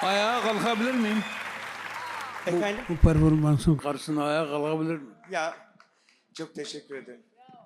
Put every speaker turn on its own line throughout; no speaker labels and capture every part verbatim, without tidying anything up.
Ayağa kalkabilir miyim?
Efendim?
Bu performansın karşısına ayağa kalkabilir miyim?
Ya çok teşekkür ederim.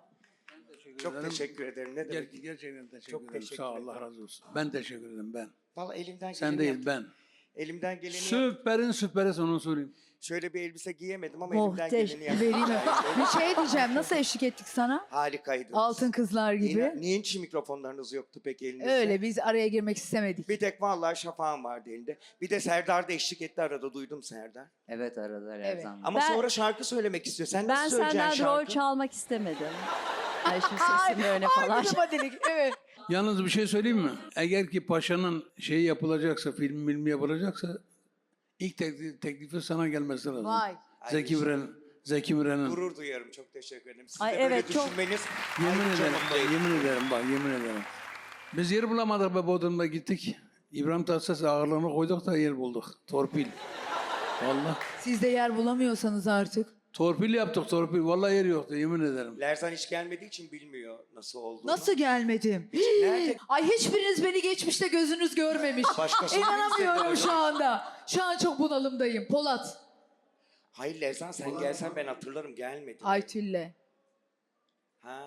Çok
ederim.
teşekkür ederim. Ne demek?
Ger- gerçekten teşekkür
Çok
ederim.
teşekkür
Sağ ol,
ederim.
Allah razı olsun. Ben teşekkür ederim ben.
Vallahi elimden geleni
Sen değil
yaptım.
ben.
Elimden geleni yaptım.
Süperin süperi onu sorayım.
Şöyle bir elbise giyemedim ama elimden
Muhteş.
geleni yaptım.
Vereyim mi? Bir şey diyeceğim. Nasıl eşlik ettik sana?
Harikaydı.
Altın kızlar gibi.
Niye, niye hiç mikrofonlarınız yoktu peki elinizde?
Öyle biz araya girmek istemedik.
Bir tek vallahi şafağım vardı elinde. Bir de Serdar da eşlik etti arada, duydum Serdar.
Evet aradılar her
Evet.
zaman.
Ama
Ben-
sonra şarkı söylemek istiyor. Sen
Ben
nasıl söyleyeceksin
senden rol
şarkı?
çalmak istemedim. Ay şimdi sesim böyle falan.
Hadi evet.
Yalnız bir şey söyleyeyim mi? Eğer ki paşanın şeyi yapılacaksa, film filmi yapılacaksa ilk teklif, teklifi sana gelmesi lazım.
Vay.
Zeki Müren, Zeki Müren'in.
Gurur duyarım. Çok teşekkür ederim. Siz
Ay,
de böyle
evet, çok-
düşünmeniz.
Yemin
ayrıca
ederim,
mutlu
bak,
ediyor.
yemin ederim bak, yemin ederim. Biz yer bulamadık be Bodrum'da gittik. İbrahim Tatlıses ağırlığını koyduk da yer bulduk. Torpil. Vallahi.
Siz de yer bulamıyorsanız artık.
Torpil yaptık torpil. Vallahi yer yoktu yemin ederim.
Lerzan hiç gelmediği için bilmiyor nasıl olduğunu.
Nasıl gelmedim?
Nerede?
Ay hiçbiriniz beni geçmişte gözünüz görmemiş.
Başkasını
İnanamıyorum
izledi
şu anda. Şu an çok bunalımdayım. Polat.
Hayır Lerzan sen gelsen ben hatırlarım, gelmedin.
Aytül'le.
Ha.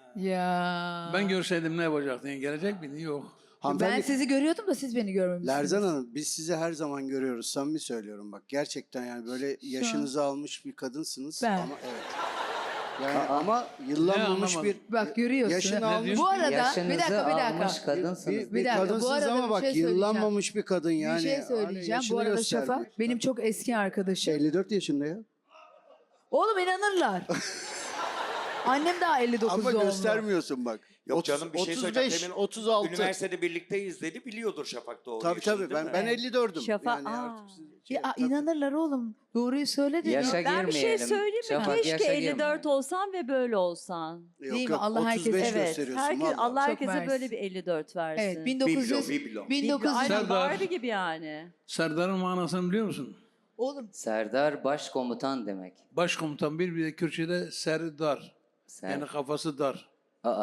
Ya.
Ben görseydim ne yapacaktın? Gelecek miydin? Yok.
Ben
Hanımefendi,
sizi görüyordum da siz beni görmemişsiniz.
Lerzan Hanım biz sizi her zaman görüyoruz. Samimi söylüyorum bak. Gerçekten yani böyle yaşınızı almış bir kadınsınız.
Ben.
Ama evet. Yani ama yıllanmamış
Ne
bir
Bak görüyorsun.
yaşını
Ne
almış
diyorsun?
Bu arada bir
Yaşınızı
dakika bir
almış
dakika.
kadınsınız.
bir,
Bir
bir
dakika, bu
kadınsınız
arada
ama
bir
bak
şey söyleyeceğim.
yıllanmamış bir kadın yani.
bir şey
Hani
söyleyeceğim.
yaşını
Bu arada
gösterdi.
Şafak benim çok eski arkadaşım.
elli dört yaşında ya.
Oğlum inanırlar. Annem daha elli dokuz
Ama
doğumlu.
göstermiyorsun bak.
Yok
Otuz-
canım bir şey
otuz
söyleyeceğim.
beş,
Demin
otuz altı.
Üniversitede birlikteyiz dedi, biliyordur Şafak doğru
Tabii
yaşını,
tabii
değil
ben
mi?
ben elli dördüm.
Şafak-
yani
Aa.
artık siz- şey,
Ya,
tabii.
inanırlar oğlum. Doğruyu söyle dedi.
Yaşa
Ben bir şey
girmeyelim.
söyleyeyim mi?
Şafak,
Keşke
yaşa
elli dört
girmeyelim.
olsan ve böyle olsan.
Yok,
Değil mi?
yok,
Allah
otuz beş
herkese-
Evet.
gösteriyorsun.
Herkes,
vallahi.
Allah
Çok
herkese
mersi.
böyle bir elli dört versin.
Evet bin dokuz yüz.
Biblo, biblo.
bin dokuz yüz.
Aynen
Serdar.
Barbie gibi yani.
Serdar'ın manasını biliyor musun?
Oğlum
Serdar başkomutan demek.
Başkomutan bir bir de Kürtçe'de Serdar.
Ser.
Yani kafası dar.
Aa.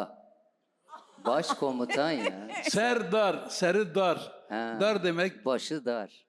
Başkomutan ya.
Serdar, Serdar.
Ha.
Dar demek
Başı dar.